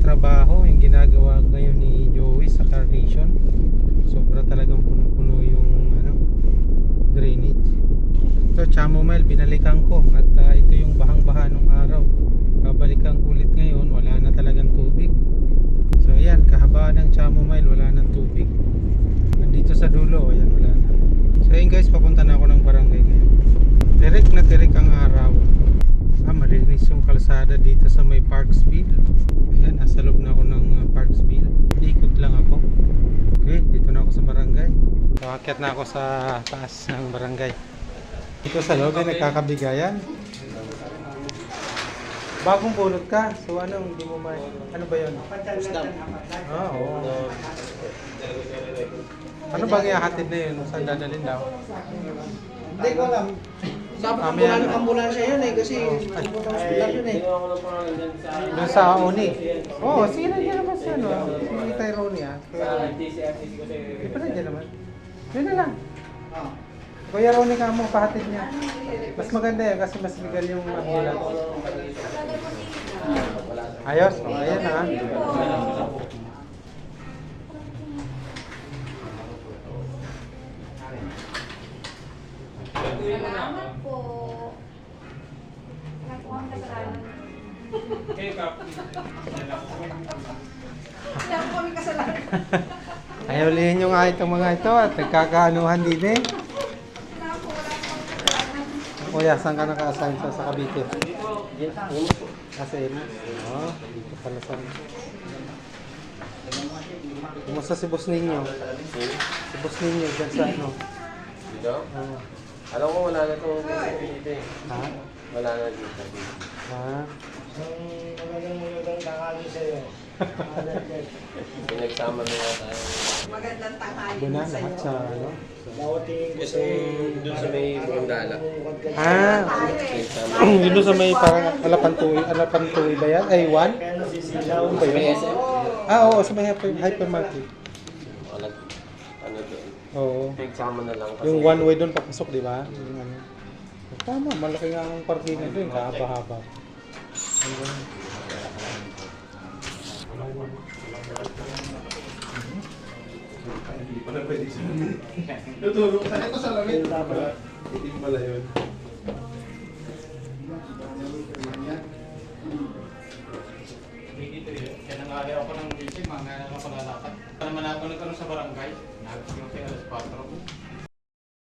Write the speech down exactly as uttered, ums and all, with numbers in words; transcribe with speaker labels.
Speaker 1: trabaho, yung ginagawa ngayon ni Joey sa Carnation. Sobra talagang puno-puno yung ano, drainage. Ito, chamomile, binalikan ko. At uh, ito yung bahang-baha nung araw. Babalikan ko ulit ngayon, wala na talagang tubig. So ayan, kahabaan ng chamomile, wala nang tubig. Nandito sa dulo, ayan, wala na. So ayan guys, papunta na ako ng barangay ngayon. Tirik na tirik ang araw. Ah, malinis yung kalsada dito sa may Parksville. Ayan, nasa loob na ako ng uh, Parksville. Ikot lang ako. Okay, dito na ako sa barangay. So, akyat na ako sa taas ng barangay. Dito sa loob ay nagkakabigayan. Bagong pulot ka. So ano, hindi mo may... Ano ba yun? Ah, oo. Ano bang ihahatid na yun? Saan dadalhin daw?
Speaker 2: Hindi ko alam. Dapat
Speaker 1: Ah,
Speaker 2: ang
Speaker 1: may
Speaker 2: ambulansya,
Speaker 1: ano?
Speaker 2: ambulansya yun eh kasi pupunta sa hospital yun eh.
Speaker 1: Doon sa Uni. Oo, oh, sige na dyan naman siya, no? Si Tyrone ah. Hindi pa na dyan naman. Yun na lang.
Speaker 2: Ah.
Speaker 1: Kuya Ronnie ka mo, pahatid niya. Mas maganda yan kasi mas legal yung ambulance. Ayos, o, ayan ha.
Speaker 3: Salamat po. Wala po ang kasalanan. Wala po kami kasalanan.
Speaker 1: Ayaw lihin nyo nga itong mga ito at nagkakaanuhan din eh.
Speaker 3: Wala po, wala po kami kasalanan.
Speaker 1: Kuya, saan ka naka-assign sa, sa Cavite? Kasi Emas. Oo, dito pala sa... Kumusta si boss ninyo? Si boss ninyo dyan sa ano?
Speaker 4: Dito?
Speaker 1: Oo.
Speaker 4: Alam ko wala na itong dito eh.
Speaker 1: Ha?
Speaker 4: Wala na dito.
Speaker 1: Ha?
Speaker 2: Magandang magandang tanghali sa'yo.
Speaker 4: Pinagsama na nga tayo.
Speaker 3: Magandang tanghali
Speaker 1: Doon na
Speaker 3: po sa
Speaker 1: lahat
Speaker 3: iyo.
Speaker 1: sa ano?
Speaker 2: Nawatingin ko
Speaker 4: Kasi doon sa may Burundala.
Speaker 1: Ah! Yun doon sa may parang Alapantuy. Alapantuy ba yan? Ay, one?
Speaker 2: Kaya nasisilaw.
Speaker 1: Ano ba
Speaker 4: May
Speaker 1: yun?
Speaker 4: S M?
Speaker 1: Ah, oo, sa may hyper, hypermarket.
Speaker 4: Wala. Ano doon?
Speaker 1: Oo.
Speaker 4: Pinagsama na lang kasi.
Speaker 1: Yung one way doon papasok, di ba? Yung ano. Tama, malaki nga ang parkingan doon, kahaba-haba.
Speaker 5: Hindi pala pwede sa lamit. Tutulog sa ito sa lamit. Itim pala yun.
Speaker 1: Kaya nangali ako ng busy, mga nga naman palalakad. Naman ako nagkaroon sa barangay, nagkaroon kayo alas patro.